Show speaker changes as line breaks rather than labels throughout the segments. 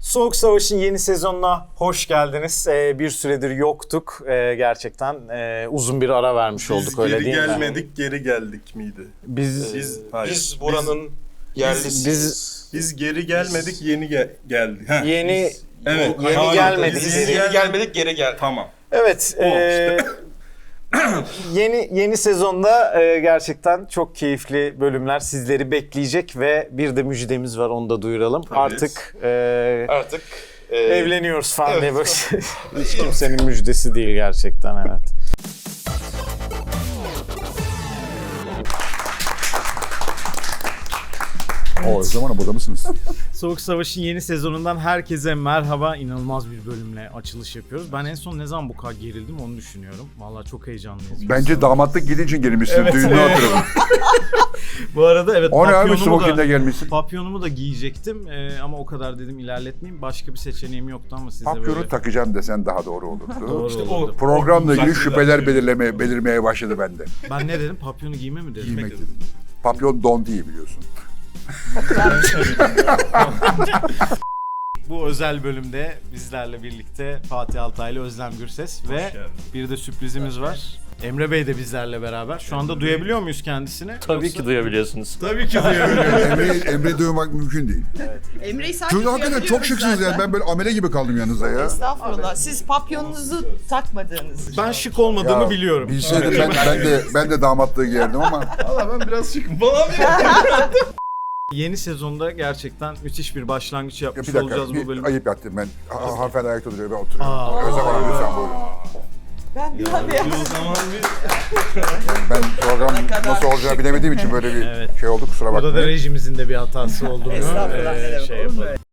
Soğuk Savaş'ın yeni sezonuna hoş geldiniz. Bir süredir yoktuk. Gerçekten uzun bir ara vermiş olduk, öyle değil mi?
Biz geri gelmedik, geri geldik miydi?
Biz buranın yerlisiyiz.
Biz geri gelmedik, yeni geldik.
Yeni gelmedik.
Biz geri gelmedik, geri geldik.
Tamam.
Evet. Yeni sezonda gerçekten çok keyifli bölümler sizleri bekleyecek ve bir de müjdemiz var, onu da duyuralım.
Tabii.
Artık evleniyoruz falan diye böyle hiç kimsenin müjdesi değil gerçekten, evet.
O zaman burada mısınız?
Soğuk Savaş'ın yeni sezonundan herkese merhaba. İnanılmaz bir bölümle açılış yapıyoruz. Ben en son ne zaman bu kadar gerildim onu düşünüyorum. Vallahi çok heyecanlıyız.
Bence damatlık gidince gelmişsin.
Evet.
Düğünü hatırladım.
Bu arada evet,
O ne abi, smoking'de gelmişsin?
papyonumu da giyecektim ama o kadar dedim ilerletmeyeyim. Başka bir seçeneğim yoktu ama size
Papyonu
böyle...
takacağım desen daha doğru olurdu.
Doğru
İşte
olurdu.
Programla ilgili
Uzak
şüpheler
şeyler.
belirmeye başladı bende.
Ben ne dedim? Papyonu giyme mi dedim?
Giymek dedim. Papyon don değil biliyorsun.
Bu özel bölümde bizlerle birlikte Fatih Altaylı, Özlem Gürses ve
geldin.
bir de sürprizimiz var. Emre Bey de bizlerle beraber. Şu anda duyabiliyor muyuz kendisini?
Tabii ki duyabiliyorsunuz.
Tabii ki duyabiliyoruz.
Emre'yi duymak mümkün değil.
Emre'yi sadece
Çünkü hakikaten çok şıksınız yani. Ben böyle amele gibi kaldım yanınızda ya.
Estağfurullah. Siz papyonunuzu takmadığınız için.
Ben şık olmadığımı
Ya,
biliyorum.
Bilseydim ben de damatlığı giyerdim ama
Valla ben biraz şıkım falan.
Yeni sezonda gerçekten müthiş bir başlangıç
ya
yapmış
bir dakika
olacağız bu
bir
bölüm.
ayıp yaptım ben. Hanımefendi ayakta duruyor, ben oturuyorum.
Aa.
Özlem Hanım lütfen buyurun.
Ben bir hadi.
O zaman bir...
Ben program nasıl olacağını bilemediğim için böyle bir
Evet.
şey oldu, kusura
Burada da
bakmayın.
rejimizin de bir hatası olduğunu
Estağfurullah, ne demek,
şey
olur mu?
yapalım.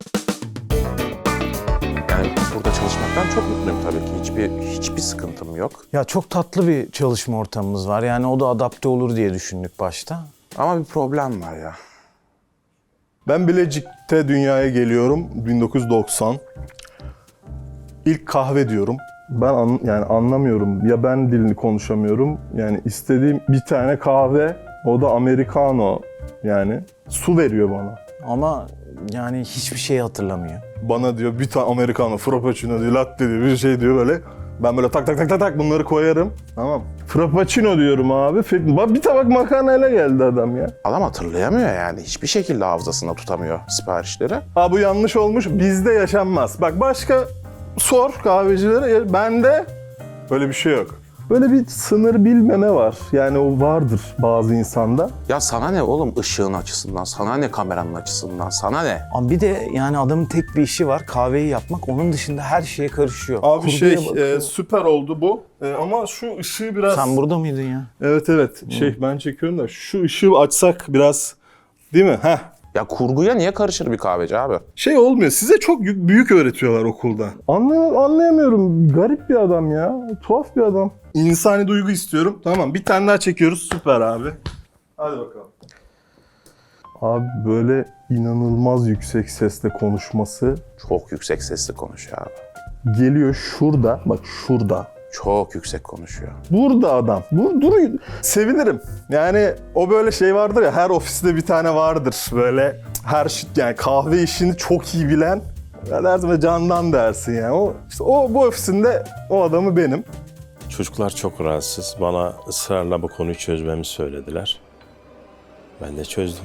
Yani burada çalışmaktan çok mutluyum tabii ki. Hiçbir sıkıntım yok.
Ya çok tatlı bir çalışma ortamımız var. Yani o da adapte olur diye düşündük başta.
Ama bir problem var ya.
Ben Bilecik'te dünyaya geliyorum 1990. İlk kahve diyorum. Ben yani anlamıyorum. Ya ben dilini konuşamıyorum. Yani istediğim bir tane kahve, o da americano. Yani su veriyor bana.
Ama yani hiçbir şey hatırlamıyor.
Bana diyor bir tane americano, frappuccino diyor, latte diyor, bir şey diyor böyle. Ben böyle tak bunları koyarım. Tamam. Frappuccino diyorum abi. Bir tabak makarnayla geldi adam ya.
Adam hatırlayamıyor yani. Hiçbir şekilde hafızasında tutamıyor siparişleri.
Ha bu yanlış olmuş. Bizde yaşanmaz. Bak başka sor kahvecilere. Bende böyle bir şey yok. Böyle bir sınır bilmeme var. Yani o vardır bazı insanda.
Ya sana ne oğlum ışığın açısından, sana ne kameranın açısından, sana ne?
Ama bir de yani adamın tek bir işi var, kahveyi yapmak. Onun dışında her şeye karışıyor.
Abi
Kurguya bakıyor.
süper oldu bu. Ama şu ışığı biraz...
Sen burada mıydın ya?
Evet. Ben çekiyorum da şu ışığı açsak biraz, değil mi? Heh.
Ya kurguya niye karışır bir kahveci abi?
Şey olmuyor. Size çok büyük öğretiyorlar okulda. Anlayamıyorum. Garip bir adam ya. Tuhaf bir adam. İnsani duygu istiyorum. Tamam. Bir tane daha çekiyoruz. Süper abi. Hadi bakalım. Abi böyle inanılmaz yüksek sesle konuşması
Çok yüksek sesli konuşuyor abi.
geliyor şurada. Bak şurada.
Çok yüksek konuşuyor.
Burada adam. Duruyor. Sevinirim. Yani o böyle şey vardır ya, her ofiste bir tane vardır. Böyle her şey, yani kahve işini çok iyi bilen. Ya dersin ve candan dersin yani. Bu ofisinde o adamı benim.
Çocuklar çok rahatsız. Bana ısrarla bu konuyu çözmemi söylediler. Ben de çözdüm.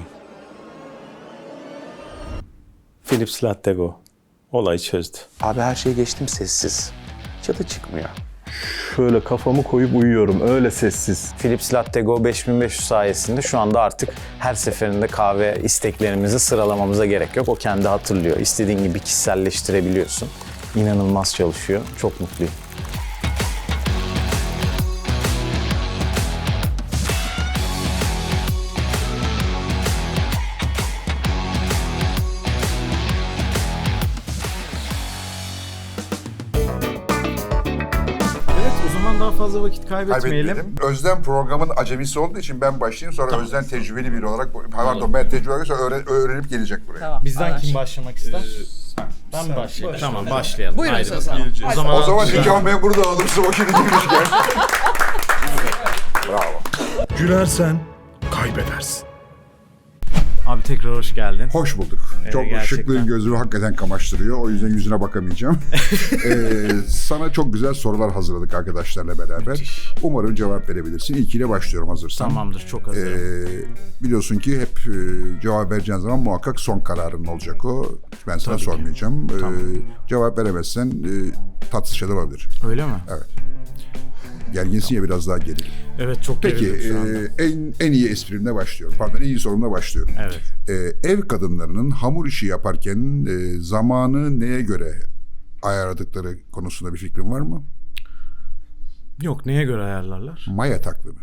Philips Lattego olayı çözdü.
Abi her şeyi geçtim, sessiz. Çıtı çıkmıyor.
Şöyle kafamı koyup uyuyorum. Öyle sessiz.
Philips Lattego 5500 sayesinde şu anda artık her seferinde kahve isteklerimizi sıralamamıza gerek yok. O kendi hatırlıyor. İstediğin gibi kişiselleştirebiliyorsun. İnanılmaz çalışıyor. Çok mutluyum.
Evet, o zaman daha fazla vakit kaybetmeyelim.
Kaybetmedim. Özlem programın acemisi olduğu için ben başlayayım, sonra Özlem tecrübeli biri olarak, pardon ben tecrübeli olarak sonra öğrenip gelecek buraya.
Tamam.
Bizden kim
anlaştık.
başlamak ister? Ben mi başlayayım? Tamam, başlayalım.
Buyurun
Haydi
söz
bakalım.
alın.
O zaman nikah memuru da alırsın, o şimdi girmişken. Bravo.
Gülersen kaybedersin.
Abi tekrar hoş geldin.
Hoş bulduk. Çok
gerçekten.
şıklığın gözümü hakikaten kamaştırıyor. O yüzden yüzüne bakamayacağım. Sana çok güzel sorular hazırladık arkadaşlarla beraber.
Müthiş.
Umarım cevap verebilirsin. İlkiyle başlıyorum hazırsan.
Tamamdır, çok hazırım.
Biliyorsun ki hep cevap vereceğin zaman muhakkak son kararın olacak o. Ben sana
Tabii ki.
sormayacağım.
Tamam.
Cevap veremezsen tatsız şeyler olabilir.
Öyle mi?
Evet. Gerginsin ya, biraz daha geril.
Evet, çok
Peki
gerildim şu anda.
en iyi esprimle başlıyorum. Pardon, en iyi sorumla başlıyorum.
Evet.
Ev kadınlarının hamur işi yaparken zamanı neye göre ayarladıkları konusunda bir fikrin var mı?
Yok, neye göre ayarlarlar?
Maya takvimi.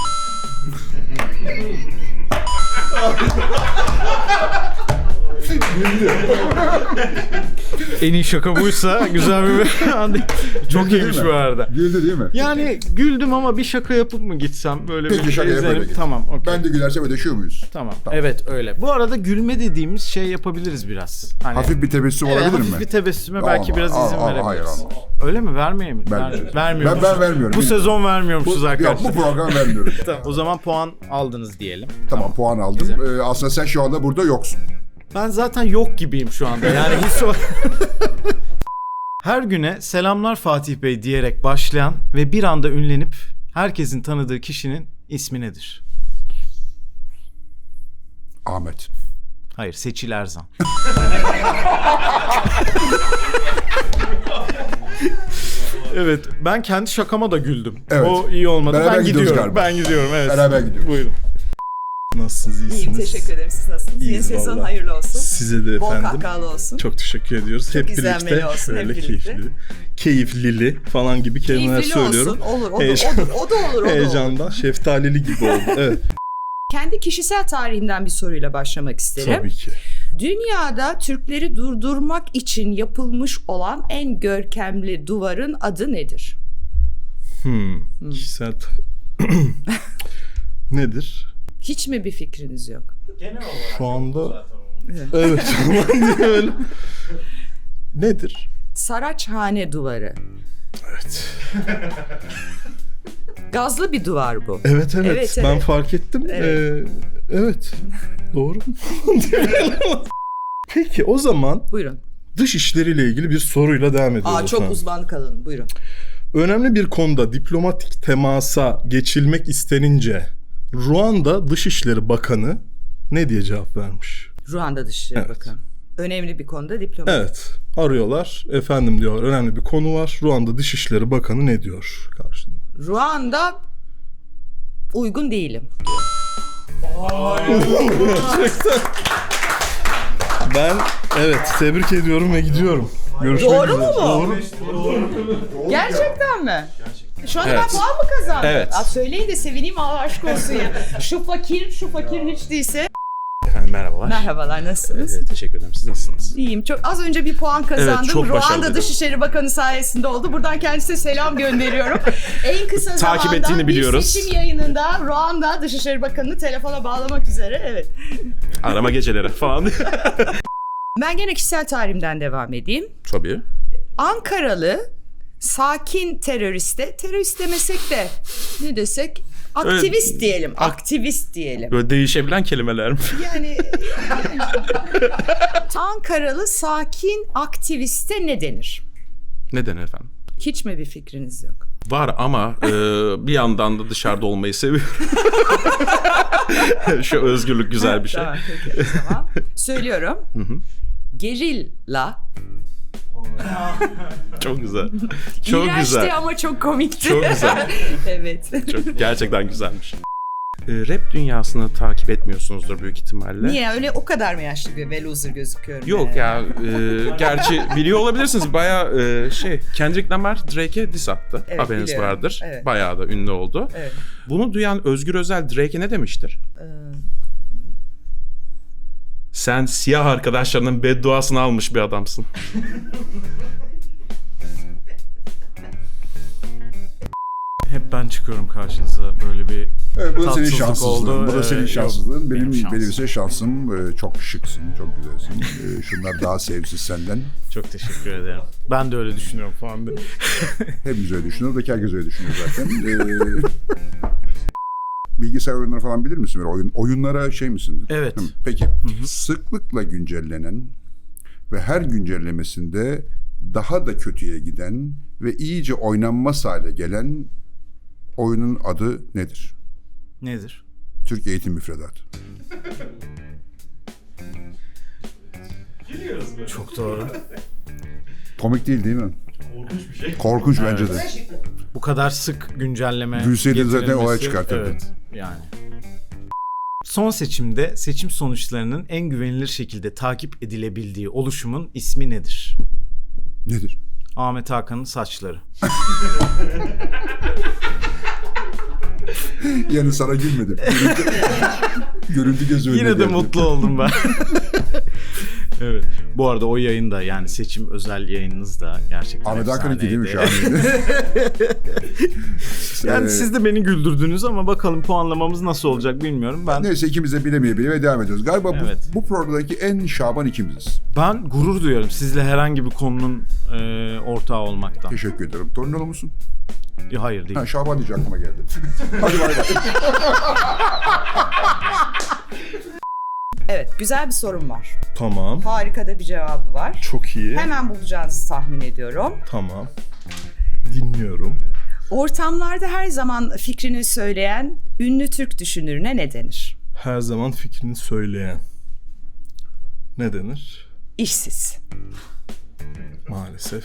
En iyi şaka buysa güzel bir çok
Güldü
iyiymiş
değil mi?
bu arada.
Güldü değil mi?
Yani güldüm ama bir şaka yapıp mı gitsem böyle
Peki,
bir
şaka yap,
izlerim.
öyle git.
Tamam, okey.
Ben de gülersem ödeşiyor muyuz?
Tamam. Evet, öyle. Bu arada gülme dediğimiz şey yapabiliriz biraz. Hani,
Hafif bir tebessüm
evet,
olabilir
hafif
mi?
bir tebessüme belki biraz izin verebiliriz.
Hayır, olmaz.
Öyle mi? Vermeyeyim mi?
Vermiyoruz.
Vermiyoruz.
Ben vermiyorum.
Bu sezon vermiyormuşuz arkadaşlar.
Bu program vermiyorum.
Tamam, o zaman puan aldınız diyelim.
Tamam, puan aldım. Aslında sen şu anda burada yoksun.
Ben zaten yok gibiyim şu anda. Yani hiç o... Her güne selamlar Fatih Bey diyerek başlayan ve bir anda ünlenip herkesin tanıdığı kişinin ismi nedir?
Ahmet.
Hayır, Seçil Erzan. Evet, ben kendi şakama da güldüm.
Evet.
O iyi olmadı.
Beraber
Ben
gidiyoruz
gidiyorum.
galiba.
Ben gidiyorum. Evet.
Beraber gidiyoruz.
Buyurun.
Nasılsınız, iyisiniz?
İyiyim, teşekkür ederim. Siz nasılsınız? Yeni
İyiyiz
sezon
vallahi.
hayırlı olsun.
Size de
Bol
efendim.
kahkahalı olsun.
Çok teşekkür ediyoruz. Hep
izlenmeli
birlikte
olsun, hep
şöyle
birlikte.
keyiflili falan gibi kelimeler
Keyifli
söylüyorum.
olsun. Olur, o da
Heyecan-
olur. O da olur.
Heyecandan şeftalili gibi oldu. Evet.
Kendi kişisel tarihimden bir soruyla başlamak isterim.
Tabii ki.
Dünyada Türkleri durdurmak için yapılmış olan en görkemli duvarın adı nedir?
Kişisel nedir?
Hiç mi bir fikriniz yok?
Şu anda evet. Öyle. Nedir?
Saraçhane duvarı.
Evet.
Gazlı bir duvar bu.
Evet.
Evet,
Ben
evet.
fark ettim.
Evet.
Evet. Doğru. Peki o zaman
Buyurun.
dış işleriyle ilgili bir soruyla devam ediyoruz.
Çok
efendim.
uzmanlık alanı. Buyurun.
Önemli bir konuda diplomatik temasa geçilmek istenince Ruanda Dışişleri Bakanı ne diye cevap vermiş?
Ruanda Dışişleri
Evet.
Bakanı. Önemli bir konuda diplomat.
Evet. Arıyorlar. Efendim diyorlar, önemli bir konu var. Ruanda Dışişleri Bakanı ne diyor karşılığında?
Ruanda uygun değilim.
Ben tebrik ediyorum ve gidiyorum. Görüşmek
Doğru
üzere.
mu bu?
Doğru.
Gerçekten mi? Şu anda
Evet.
ben puan mı kazandım?
Evet.
Söyleyin de sevineyim, Allah aşk olsun ya. Şu fakir hiç değilse.
Efendim merhabalar.
Merhabalar, nasılsınız?
Teşekkür ederim. Siz nasılsınız?
İyiyim. Çok az önce bir puan kazandım.
Evet, çok başarılıydı.
Ruanda Dışişleri Bakanı sayesinde oldu. Buradan kendisine selam gönderiyorum. En kısa
Takip
zamanda
ettiğini biliyoruz.
bir seçim yayınında Ruanda Dışişleri Bakanı'nı telefona bağlamak üzere. Evet.
Arama geceleri falan.
Ben gene kişisel tarihimden devam edeyim.
Tabii.
Ankaralı sakin terörist demesek de ne desek, aktivist diyelim. Aktivist diyelim.
Böyle değişebilen kelimeler mi?
Yani Ankaralı sakin aktiviste ne denir?
Neden efendim?
Hiç mi bir fikriniz yok?
Var ama bir yandan da dışarıda olmayı seviyorum. Şu özgürlük güzel bir şey.
Tamam, peki o zaman. Söylüyorum. Gerilla.
Çok güzel. Çok
İğrençti
güzel.
ama çok komikti.
Çok güzel.
Evet.
Çok, gerçekten güzelmiş. Rap dünyasını takip etmiyorsunuzdur büyük ihtimalle.
Niye? Öyle o kadar mı yaşlı bir loser gözüküyorum?
Yok
yani?
ya, gerçi biliyor olabilirsiniz. Bayağı Kendrick Lamar Drake'e diss attı.
Evet,
Haberiniz
biliyorum.
vardır.
Evet.
Bayağı da ünlü oldu.
Evet.
Bunu duyan Özgür Özel Drake'e ne demiştir? Sen siyah arkadaşlarının bedduasını almış bir adamsın.
Hep ben çıkıyorum karşınıza, böyle bir
Evet, bu da senin
tatsızlık
şanssızlığın.
oldu.
Bu da senin
Yok,
şanssızlığın.
benim şansım.
Benim ise şansım. Çok şıksın, çok güzelsin. Şunlar daha sevimsiz senden.
Çok teşekkür ederim. Ben de öyle düşünüyorum falan diye.
Hepimiz öyle düşünüyoruz. Herkes öyle düşünüyor zaten. bilgisayar oyunları falan bilir misin? Böyle oyunlara şey misin?
Evet.
Hı, peki. Sıklıkla güncellenen ve her güncellemesinde daha da kötüye giden ve iyice oynanmaz hale gelen oyunun adı nedir?
Nedir?
Türk Eğitim Müfredatı.
Çok doğru.
Komik değil mi? Korkunç bir şey. Korkunç bence de.
Bu kadar sık güncelleme
Gülseydin zaten
getirilmesi-
olay çıkartırdı.
Evet yani. Son seçimde seçim sonuçlarının en güvenilir şekilde takip edilebildiği oluşumun ismi nedir?
Nedir?
Ahmet Hakan'ın saçları.
Yani sana gülmedim. Görüntü gözüme
Yine de
geldi.
mutlu oldum ben. Evet. Bu arada o yayında yani seçim özel yayınınız da gerçekten
Ahmet Hakan'ınki değil mi şu an?
Yani siz de beni güldürdünüz ama bakalım puanlamamız nasıl olacak bilmiyorum.
Neyse ikimiz de bilemeye devam ediyoruz. Galiba
Evet.
bu programdaki en şaban ikimiziz.
Ben gurur duyuyorum sizle herhangi bir konunun ortağı olmaktan.
Teşekkür ederim. Tornalı musun?
Hayır değil.
Ha, Şaban diyecek aklıma geldi. Hadi bay bay.
Evet, güzel bir sorum var.
Tamam.
Harika da bir cevabı var.
Çok iyi.
Hemen bulacağınızı tahmin ediyorum.
Tamam. Dinliyorum.
Ortamlarda her zaman fikrini söyleyen ünlü Türk düşünürüne ne denir?
Her zaman fikrini söyleyen. Ne denir?
İşsiz.
Maalesef.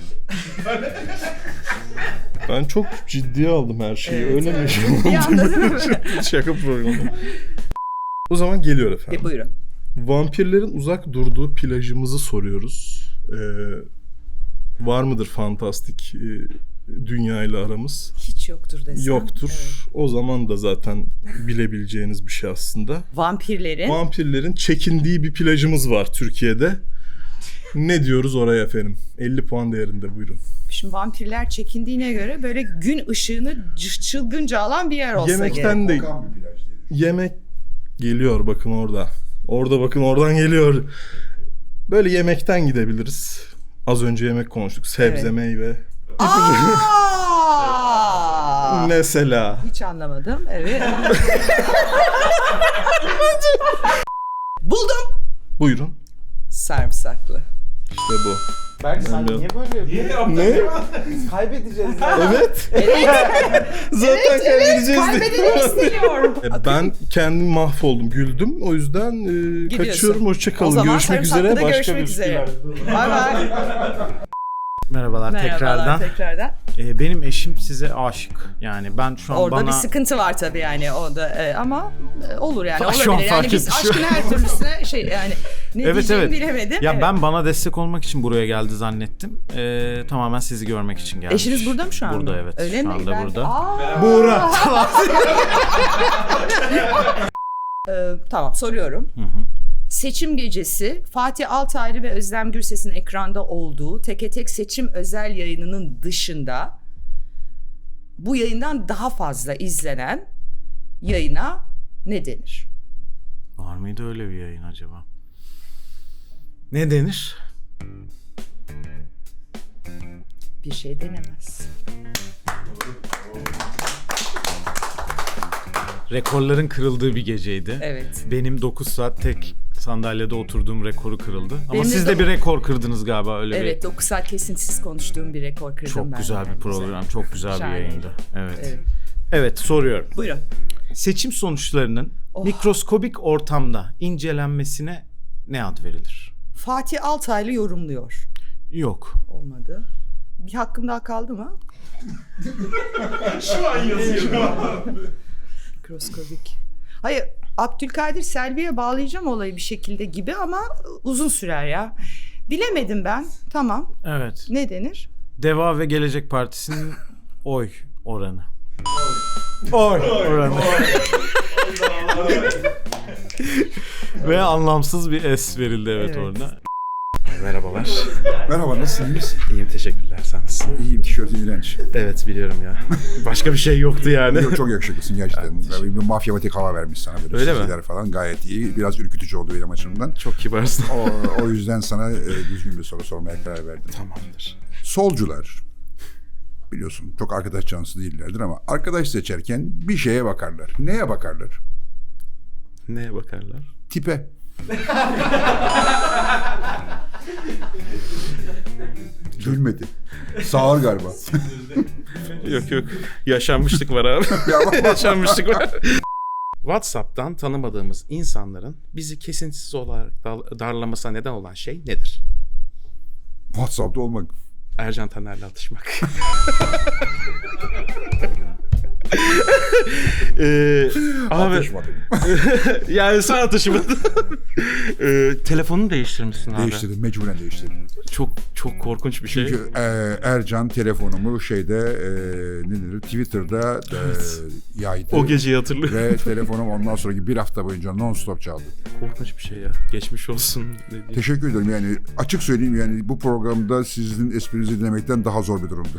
Ben çok ciddiye aldım her şeyi.
Evet,
öyle
evet.
mi?
Bir anda değil mi?
Şaka programı. O zaman geliyor efendim.
Buyurun.
Vampirlerin uzak durduğu plajımızı soruyoruz. Var mıdır fantastik dünya ile aramız?
Hiç yoktur desem.
Yoktur.
Evet.
O zaman da zaten bilebileceğiniz bir şey aslında.
Vampirlerin
Vampirlerin çekindiği bir plajımız var Türkiye'de. Ne diyoruz oraya efendim? 50 puan değerinde, buyurun.
Şimdi vampirler çekindiğine göre böyle gün ışığını çılgınca alan bir yer olsa
Yemekten
gerek.
de yemek geliyor bakın orada. Orada bakın oradan geliyor. Böyle yemekten gidebiliriz. Az önce yemek konuştuk. Sebze,
Evet.
meyve.
Aa!
Mesela.
Hiç anlamadım. Evet. Buldum.
Buyurun.
Sarımsaklı.
İşte bu.
Berk sen
niye
böyle yapıyorsun?
Ne?
Kaybedeceğiz.
Evet.
Evet.
Zaten kaybedeceğiz
Kaybedeni istemiyorum.
Ben kendim mahvoldum, güldüm. O yüzden kaçıyorum. Hoşça
O
kalın.
zaman
Görüşmek üzere.
Sarımsaklı'da
Başka
görüşmek
bir
üzere. Bay bay.
Merhabalar tekrardan.
tekrardan.
Benim eşim size aşık. Yani ben şu an
Orada
bana...
bir sıkıntı var tabii yani o da ama olur yani
Şu an
olabilir.
fark
Yani biz
ettim.
aşkın her türlüsüne şey yani ne diyeceğimi bilemedim.
Ya
Evet.
ben bana destek olmak için buraya geldi zannettim. Tamamen sizi görmek için gelmiş.
Eşiniz burada mı şu anda?
Burada evet.
Öyle
şu
mi?
anda
Ben-
burada.
Aa!
Buğra.
Tamam soruyorum. Seçim gecesi Fatih Altaylı ve Özlem Gürses'in ekranda olduğu Teke Tek seçim özel yayınının dışında bu yayından daha fazla izlenen yayına ne denir?
Var mıydı öyle bir yayın acaba? Ne denir?
Bir şey denemez.
Rekorların kırıldığı bir geceydi.
Evet.
Benim 9 saat tek sandalyede oturduğum rekoru kırıldı. Ama
Benim de
siz de bir rekor kırdınız galiba öyle
Evet 9 saat kesintisiz konuştuğum bir rekor kırdım
Çok
ben.
güzel bir program, çok güzel bir
Şahane.
yayındı. Evet.
Evet.
Evet, soruyorum.
Buyurun.
Seçim sonuçlarının mikroskobik ortamda incelenmesine ne ad verilir?
Fatih Altaylı yorumluyor.
Yok.
Olmadı. Bir hakkım daha kaldı mı?
Şu an yazıyor.
Mikroskobik. Hayır, Abdülkadir Selvi'ye bağlayacağım olayı bir şekilde gibi ama uzun sürer ya. Bilemedim ben. Tamam.
Evet.
Ne denir?
Deva ve Gelecek Partisi'nin oy oranı. Oy oranı. Ve anlamsız bir es verildi evet. orada.
Merhabalar.
Merhaba, nasılsınız?
İyiyim teşekkürler. Sen nasılsın?
İyiyim, tişörtün iğrenç.
Evet biliyorum ya. Başka bir şey yoktu yani.
Yok, çok yakışıklısın gerçekten. Böyle bir mafyamatik hava vermiş sana böyle.
Öyle mi?
Sözler falan gayet iyi. Biraz ürkütücü oldu benim açımdan.
Çok kibarsın.
O yüzden sana düzgün bir soru sormaya karar verdim.
Tamamdır.
Solcular biliyorsun çok arkadaş canlısı değillerdir ama arkadaş seçerken bir şeye bakarlar. Neye bakarlar?
Neye bakarlar?
Tipe. Gülmedi. Sağır galiba.
Yok. Yaşanmışlık var abi. Yaşanmışlık var. WhatsApp'tan tanımadığımız insanların bizi kesintisiz olarak darlamasına neden olan şey nedir?
WhatsApp'ta olmak.
Ercan Taner'le atışmak. Abi
Atışmadım.
yani sen atışmadın. Telefonunu değiştirmişsin abi.
Değiştirdim. Mecburen değiştirdim.
Çok korkunç bir şey.
Çünkü Ercan telefonumu ne denir, Twitter'da yaydı.
O geceyi hatırlıyorum.
Ve telefonum ondan sonraki bir hafta boyunca non-stop çaldı.
Korkunç bir şey ya. Geçmiş olsun dediğim.
Teşekkür ederim. Yani açık söyleyeyim, yani bu programda sizin esprinizi dinlemekten daha zor bir durumdu.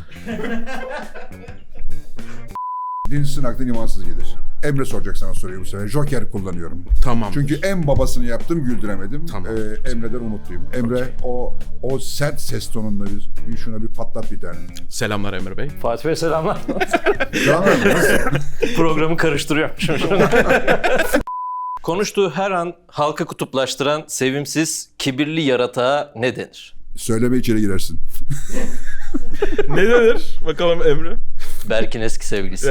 Dinçsin aklın imansız gelir. Emre soracak sana soruyu bu sefer. Joker kullanıyorum.
Tamam.
Çünkü en babasını yaptım, güldüremedim.
Tamam.
Emre'den umutluyum. Emre o sert ses tonunla şuna bir patlat bir tane.
Selamlar Emre Bey.
Fatih Bey selamlar.
Tamam mı? Nasıl?
Programı karıştırıyorum.
Konuştuğu her an halkı kutuplaştıran sevimsiz, kibirli yaratığa ne denir?
Söyleme, içeri girersin.
Ne denir? Bakalım Emre.
Berk'in eski sevgilisi.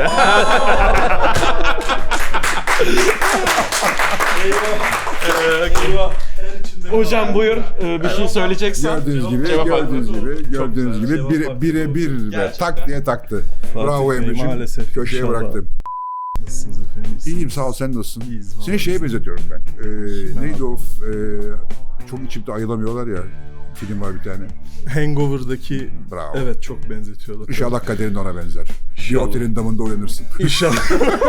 Hocam buyur. Bir şey söyleyeceksen.
Gördüğünüz gibi birebir ve tak diye taktı. Bravo
Bey,
Emre'ciğim.
maalesef.
Köşeye
İnşallah.
bıraktım.
Nasılsınız efendim?
İyiyim, sağ ol, sen nasılsın?
İyiyiz,
Seni şeye benzetiyorum ben. Neydi o? Çok içimde ayılamıyorlar ya. Film var bir tane.
Hangover'daki
Bravo.
evet çok benzetiyorlar.
İnşallah kaderin de ona benzer. Bir
İnşallah.
otelin damında uyanırsın.
İnşallah.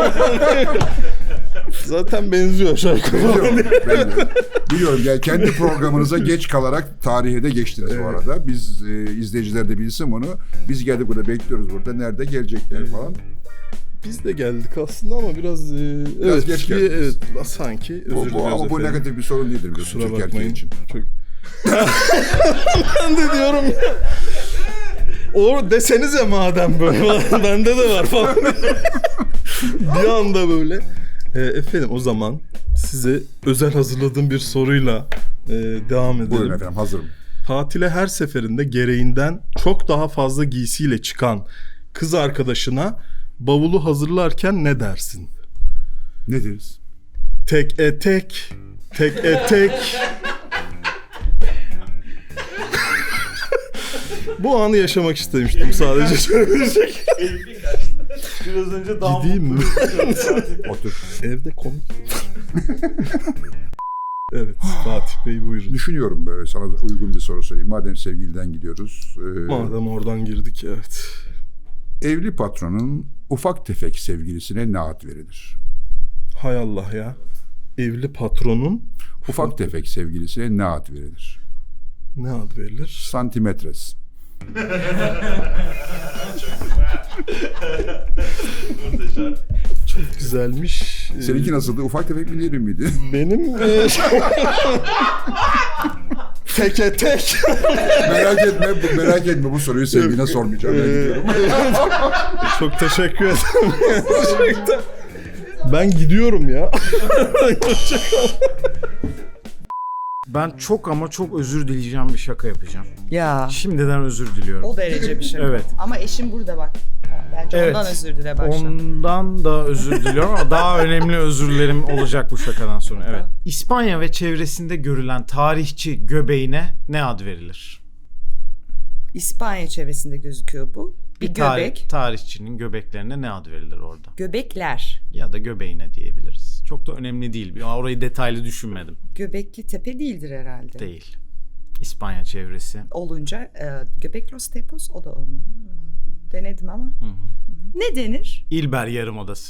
Zaten benziyor şarkı.
Biliyorum. Yani kendi programınıza geç kalarak tarihe de geçtiniz bu arada. Biz izleyiciler de bilsin bunu. Biz geldik burada, bekliyoruz burada. Nerede gelecekler falan.
Biz de geldik aslında ama biraz evet,
geç geldiniz.
evet sanki özür diliyoruz
Ama bu
efendim.
negatif bir sorun değildir biliyorsun.
Kusura
Türk erkeği
bakmayın.
için.
Çok... Ben de diyorum ya. O desenize madem böyle. Bende de var falan. Bir anda böyle. Efendim o zaman size özel hazırladığım bir soruyla devam edelim.
Buyurun efendim, hazırım.
Tatile her seferinde gereğinden çok daha fazla giysiyle çıkan kız arkadaşına bavulu hazırlarken ne dersin?
Ne deriz?
Tek etek, tek etek. Bu anı yaşamak istemiştim sadece.
Biraz önce
Gideyim mi?
Otur.
Evde komik. Evet, Fatih Bey buyurun.
Düşünüyorum böyle, sana uygun bir soru sorayım. Madem sevgiliden gidiyoruz.
Madem oradan girdik, evet.
Evli patronun ufak tefek sevgilisine ne ad verilir?
Hay Allah ya. Evli patronun
Ufak tefek sevgilisine ne ad verilir?
ne ad verilir?
Santimetres.
Çok güzelmiş.
Seninki nasıldı? Ufak tefek mi, derin miydi?
Benim teke tek.
merak etme bu soruyu sevgiline sormayacağım. Ben gidiyorum.
Çok teşekkür ederim. Gerçekten. Ben gidiyorum ya.
Ben çok ama çok özür dileyeceğim bir şaka yapacağım.
Ya
Şimdiden özür diliyorum.
o derece bir şey.
Evet.
Ama eşim burada bak. Bence
Evet.
ondan özür dile başla.
Ondan da özür diliyorum ama daha önemli özürlerim olacak bu şakadan sonra. Evet. İspanya ve çevresinde görülen tarihçi göbeğine ne ad verilir?
İspanya çevresinde gözüküyor bu. Bir göbek.
Tarihçinin göbeklerine ne ad verilir orada?
Göbekler.
Ya da göbeğine diyebiliriz. Çok da önemli değil. Orayı detaylı düşünmedim.
Göbekli tepe değildir herhalde.
Değil. İspanya çevresi.
Olunca Göbek Los Tepos o da olmadı. Denedim ama. Ne denir?
İlber Yarımadası.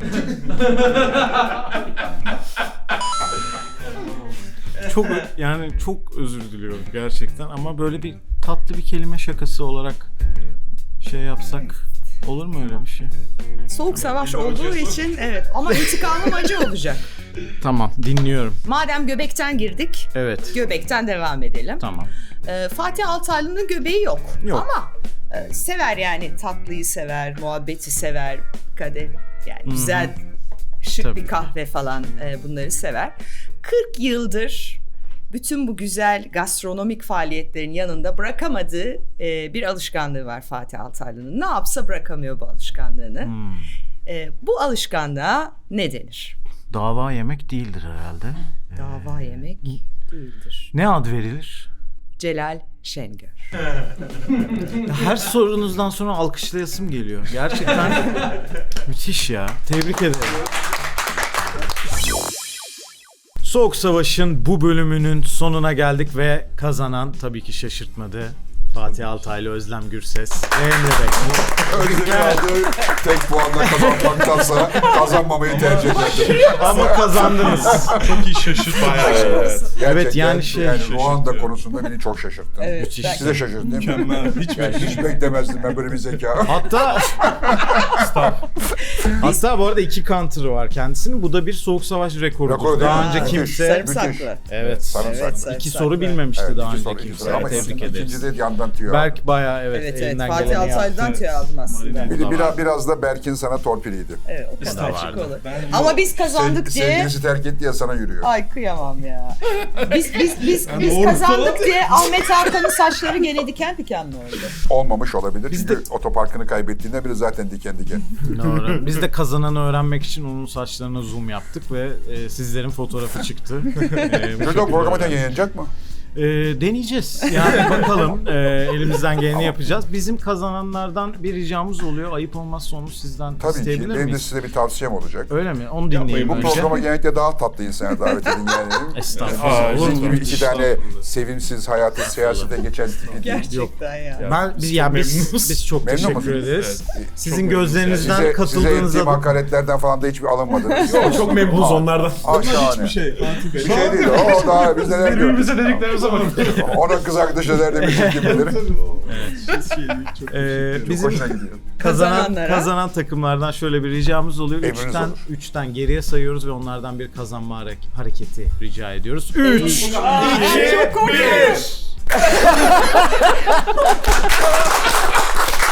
çok özür diliyorum gerçekten ama böyle bir tatlı bir kelime şakası olarak şey yapsak olur mu öyle bir şey?
Soğuk savaş olduğu için evet ama intikamım acı olacak.
Tamam, dinliyorum.
Madem göbekten girdik,
Evet.
göbekten devam edelim.
Tamam.
Fatih Altaylı'nın göbeği yok.
Yok.
Ama Sever yani, tatlıyı sever, muhabbeti sever, kadeh yani güzel şık
Tabii.
bir kahve falan, bunları sever. 40 yıldır bütün bu güzel gastronomik faaliyetlerin yanında bırakamadığı bir alışkanlığı var Fatih Altaylı'nın. Ne yapsa bırakamıyor bu alışkanlığını. Bu alışkanlığa ne denir?
Dava yemek değildir herhalde.
Dava yemek değildir.
Ne ad verilir?
Celal Şengör.
Her sorunuzdan sonra alkışlayasım geliyor. Gerçekten müthiş ya. Tebrik ederim. Soğuk Savaş'ın bu bölümünün sonuna geldik ve kazanan tabii ki şaşırtmadı. Fatih Altaylı, Özlem Gürses ve Emre Bey.
Özlem'in aldığı tek puanla kazanmaktansa kazanmamayı tercih ederdim.
Ama kazandınız.
Çok iyi şaşırt bayağı.
Gerçekten,
Evet, yani şey-
Ruanda konusunda beni çok şaşırttı.
Evet,
Müthiş.
ben-
Size şaşırttı değil mi? Hiç beklemezdim ben böyle bir zeka.
Hatta bu arada 2 counter'ı var kendisinin. Bu da bir Soğuk Savaş rekorudur.
Rekoru değil
Daha
mi?
önce
Müthiş.
kimse...
Sarımsaklı.
Evet.
Sarımsaklı.
2 soru bilmemişti
Evet,
daha
iki
önce
soru,
kimse.
iki soru. Ama
Tebrik ederiz.
ikinci de yandan tüyo.
Berk bayağı evet,
Evet,
elinden
Fatih
geleni
Altaylı'dan
yaptı.
tüyo aldım aslında.
Biraz da Berk'in sana torpiliydi.
Evet, o kadar
vardı.
açık olur. Ama biz kazandık diye...
Sevgilisi terk etti ya sana yürüyor.
Ay kıyamam ya. Biz kazandık diye Ahmet Hakan'ın saçları gene diken diken mi oldu?
Olmamış olabilir. Çünkü otoparkını kaybettiğinde biri zaten diken diken.
Doğru. Biz de kazananı öğrenmek için onun saçlarına zoom yaptık ve sizlerin fotoğrafı çıktı.
Çocuk o programı yayınlanacak mı?
Deneyeceğiz. Yani bakalım, elimizden geleni yapacağız. Bizim kazananlardan bir ricamız oluyor. Ayıp olmazsa onu sizden
Tabii ki.
isteyebilir
Benim de
miyiz?
size bir tavsiyem olacak.
Öyle mi? Onu dinleyelim
Bu
önce.
programa genellikle daha tatlı insanlar davet edin yani.
Estağfurullah. Olur
Sizin
mu?
gibi iki tane sevimsiz hayatı siyasete geçen tipi değil.
Gerçekten ya.
Biz çok
Memnun
teşekkür
musunuz?
ederiz. Sizin gözlerinizden
Size
katıldığınızda
ettiğim hakaretlerden falan da hiçbir alınmadınız. Yok,
Çok memnunuz onlardan.
Hiçbir şey. Bir şey değil. O daha biz neler gördük.
Birbirimize dediklerimize bakın.
Onun kız arkadaşı nerede bir çirkin bilir. Çok
bizim
hoşuna gidiyor.
kazanan takımlardan şöyle bir ricamız oluyor.
Emriniz olur.
3'ten geriye sayıyoruz ve onlardan bir kazanma hareketi rica ediyoruz. 3 2 1